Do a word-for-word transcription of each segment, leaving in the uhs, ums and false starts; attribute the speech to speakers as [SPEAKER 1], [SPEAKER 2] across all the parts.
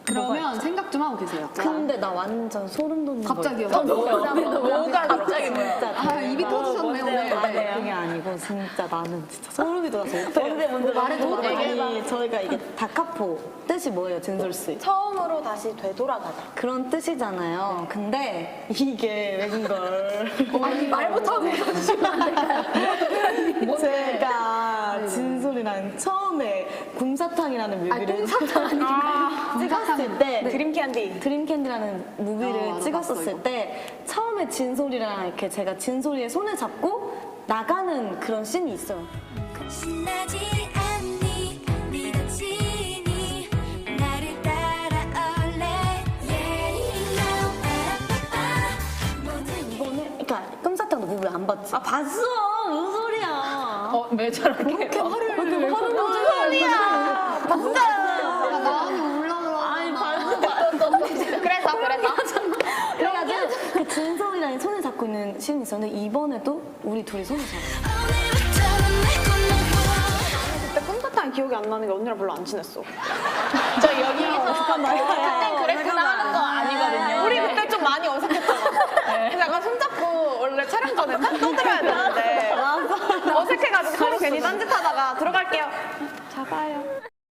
[SPEAKER 1] 그러면 생각 좀 하고 계세요.
[SPEAKER 2] 근데 나 완전 소름 돋는
[SPEAKER 1] 갑자기요?
[SPEAKER 2] 거.
[SPEAKER 3] 뭐가 갑자기 뭐야?
[SPEAKER 1] 아, 입이 터지셨네, 오늘.
[SPEAKER 2] 아니, 그게 아니고 진짜 나는 진짜 소름이 돋아서 뭔데 뭔데 말해도 아니 저희가 이게 다카포 뜻이 뭐예요, 진솔씨?
[SPEAKER 3] 처음으로 다시 되돌아가자.
[SPEAKER 2] 그런 뜻이잖아요. 근데 이게 외국인 걸.
[SPEAKER 1] 아니, 말 못하고 해주시면 안 될까요?
[SPEAKER 2] 제가 진솔이랑 처음에 곰사탕이라는
[SPEAKER 1] 아니,
[SPEAKER 2] 뮤비를
[SPEAKER 1] 꽁사탕 아니고.
[SPEAKER 2] 찍었을 때
[SPEAKER 3] 드림캔디.
[SPEAKER 2] 드림캔디라는 무비를
[SPEAKER 1] 아, 나도
[SPEAKER 2] 찍었었을
[SPEAKER 1] 봤어, 이거.
[SPEAKER 2] 때 처음에 진솔이랑 이렇게 제가 진솔이의 손을 잡고 나가는 그런 씬이 있어요.
[SPEAKER 4] 신나지 않니 네가 지니 나를 따라올래 Yeah now 빠라빠빠 모든
[SPEAKER 2] 이거는 그러니까 끔사탕도 무비 안 봤지? 아 봤어. 무슨 소리야?
[SPEAKER 3] 어, 왜 저렇게
[SPEAKER 1] 이렇게 화를
[SPEAKER 2] 화를
[SPEAKER 1] 무슨
[SPEAKER 2] 소리야? 봤어.
[SPEAKER 1] 나는 올라가.
[SPEAKER 2] 아니 봤어.
[SPEAKER 3] 그래서 그래서
[SPEAKER 2] 그래가지고 그 진솔이랑 손을 잡고 있는 씬이 있었는데 이번에도 우리 둘이 손을 잡아.
[SPEAKER 4] 오늘부터는 내 꿈을
[SPEAKER 5] 그때 솜사탕 기억이 안 나는 게 언니랑 별로 안 친했어.
[SPEAKER 3] 저 여기서
[SPEAKER 2] 잠깐만.
[SPEAKER 3] 그땐 그랬구나 하는 거 아니거든요.
[SPEAKER 5] 우리 그때 좀 많이 어색했잖아. 그래서 약간 손잡고 원래 촬영 전에 딱 떠들어야 되는데 어색해가지고 서로 괜히 딴짓하다가 들어갈게요. 잡아요.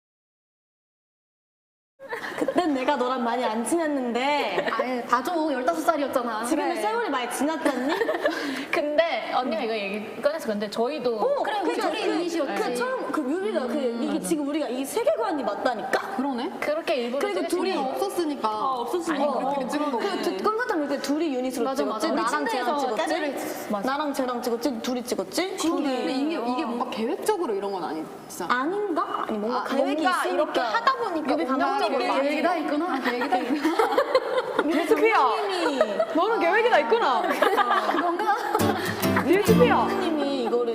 [SPEAKER 2] 그땐 내가 너랑 많이 안 친했는데
[SPEAKER 1] 아예 봐줘. 열다섯 살이었잖아.
[SPEAKER 2] 지금은 세월이 많이 지났잖니?
[SPEAKER 3] 근데 언니가 이거 얘기 꺼내서 근데 저희도
[SPEAKER 1] 그래, 우리
[SPEAKER 2] 그러니까
[SPEAKER 1] 둘이
[SPEAKER 2] 그-
[SPEAKER 1] 유닛이었지.
[SPEAKER 2] 그 처음 그 뮤비가 그 이게 지금 우리가 이 세계관이 맞다니까?
[SPEAKER 1] 그러네.
[SPEAKER 3] 그렇게 일부러
[SPEAKER 2] 그리고
[SPEAKER 3] 찍으신
[SPEAKER 2] 둘이
[SPEAKER 3] 거.
[SPEAKER 1] 없었으니까.
[SPEAKER 2] 없었으니까.
[SPEAKER 3] 아니, 그렇게
[SPEAKER 1] 찍은 거고.
[SPEAKER 2] 그 깜깜한 뮤비 둘이 유닛으로
[SPEAKER 1] 맞아,
[SPEAKER 2] 찍었지?
[SPEAKER 1] 맞아.
[SPEAKER 2] 우리
[SPEAKER 1] 나랑
[SPEAKER 2] 침대에서
[SPEAKER 1] 쟤랑
[SPEAKER 2] 찍었지?
[SPEAKER 1] 찍었지?
[SPEAKER 3] 맞아.
[SPEAKER 2] 나랑 쟤랑 찍었지? 둘이 찍었지?
[SPEAKER 1] 근데 이게, 이게 뭔가 계획적으로 이런 건 아니잖아.
[SPEAKER 2] 아닌가? 아니 뭔가
[SPEAKER 1] 아,
[SPEAKER 2] 계획이
[SPEAKER 5] 뭔가
[SPEAKER 2] 있으니까
[SPEAKER 5] 이렇게 하다 보니까
[SPEAKER 2] 뮤비
[SPEAKER 5] 감정적으로
[SPEAKER 2] 감정적으로
[SPEAKER 5] 많이
[SPEAKER 1] 계획이 다 있구나. 계획이 다 있구나.
[SPEAKER 5] 뮤비야.
[SPEAKER 2] 팀이
[SPEAKER 5] 너는 계획이 다 있구나. 그런가? 뮤비야.